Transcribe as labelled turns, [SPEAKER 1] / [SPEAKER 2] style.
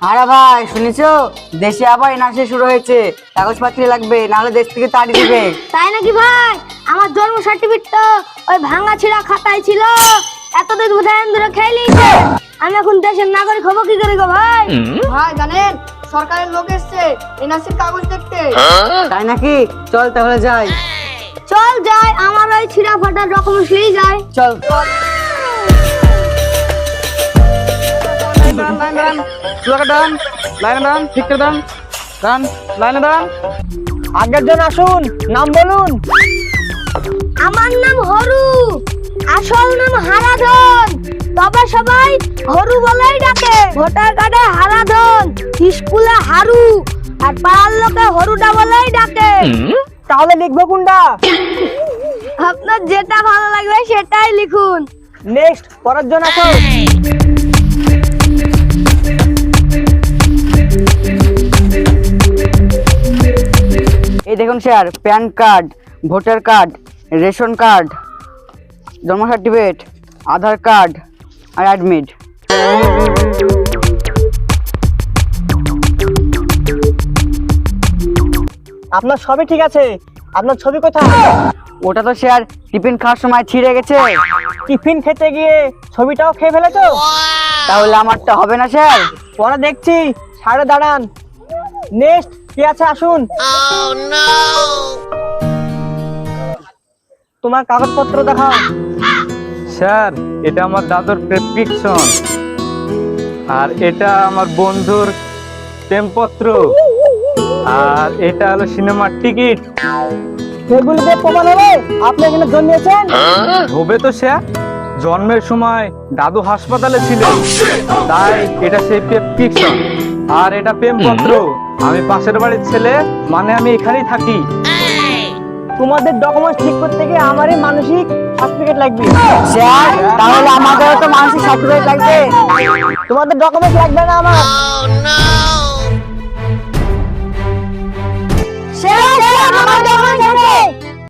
[SPEAKER 1] আরে ভাই শুনেছো, দেশে আবার এনআরসি শুরু হয়েছে, কাগজপত্র লাগবে, নাহলে দেশ থেকে তাড়িয়ে দিবে।
[SPEAKER 2] তাই নাকি ভাই? আমার জন্ম সার্টিফিকেট তো ওই ভাঙা ছিঁড়া খাতায় ছিল, এতদিন বোধহয় ধরে খেয়ে নিয়েছে। আমি এখন দেশের নাগরিক হবো কি করে গো ভাই?
[SPEAKER 3] ভাই জানেন সরকারের লোক এসছে এনআরসির কাগজ দেখতে।
[SPEAKER 1] তাই নাকি? চল তাহলে যাই।
[SPEAKER 2] চল যাই, আমার ওই ছিঁড়া ফাটা ডকুমেন্টস নিয়ে যাই।
[SPEAKER 1] চল।
[SPEAKER 4] আগের জন আসুন, নাম বলুন।
[SPEAKER 2] আমার নাম হরু, আসল নাম হারাধন, তবে সবাই হরু বলেই ডাকে। ভোটার কার্ডে হারাধন, স্কুলে হারু, আর পাড়ার লোকে হরুটা বলেই ডাকে।
[SPEAKER 4] তাহলে লিখবো কোনটা?
[SPEAKER 2] আপনার যেটা ভালো লাগবে সেটাই লিখুন।
[SPEAKER 4] নেক্সট, পরের জন আসুন।
[SPEAKER 1] এই দেখুন sir, PAN card, voter card, ration card, জন্ম সার্টিফিকেট, আধার কার্ড আর অ্যাডমিট।
[SPEAKER 4] আপনার সবই ঠিক আছে, আপনার ছবি কোথায়?
[SPEAKER 1] ওটা তো স্যার টিফিন খাওয়ার সময় ছিঁড়ে গেছে।
[SPEAKER 4] টিফিন খেতে গিয়ে ছবিটাও খেয়ে ফেলেছো?
[SPEAKER 1] তাহলে আমারটা হবে না স্যার?
[SPEAKER 4] পরে দেখছি, সাড়ে দাঁড়ান। নেক্সট, কি আছে আসুন। তোমার কাগজপত্র দেখাও।
[SPEAKER 5] স্যার, এটা আমার দাদুর প্রেসক্রিপশন, আর এটা আমার বন্ধুর প্রেমপত্র, আর এটা হলো সিনেমার টিকিট।
[SPEAKER 4] সেগুলিতে প্রমাণ হবে আপনি এখানে জন্মেছেন?
[SPEAKER 5] হবে তো স্যার, জন্মের সময় দাদু হাসপাতালে ছিল, তাই এটা সেই প্রেসক্রিপশন। আর এটা প্রেমপত্র, আমি পাশের বাড়ির ছেলে, মানে আমি এখানেই থাকি।
[SPEAKER 4] তোমাদের ডকুমেন্টস ঠিক করতে গিয়ে আমারই মানসিক সার্টিফিকেট লাগবে।
[SPEAKER 1] স্যার তাহলে আমাদেরও তো মানসিক সার্টিফিকেট লাগবে।
[SPEAKER 4] তোমাদের ডকুমেন্টস লাগবে না আমার।
[SPEAKER 2] স্যার, আমার ডকুমেন্টস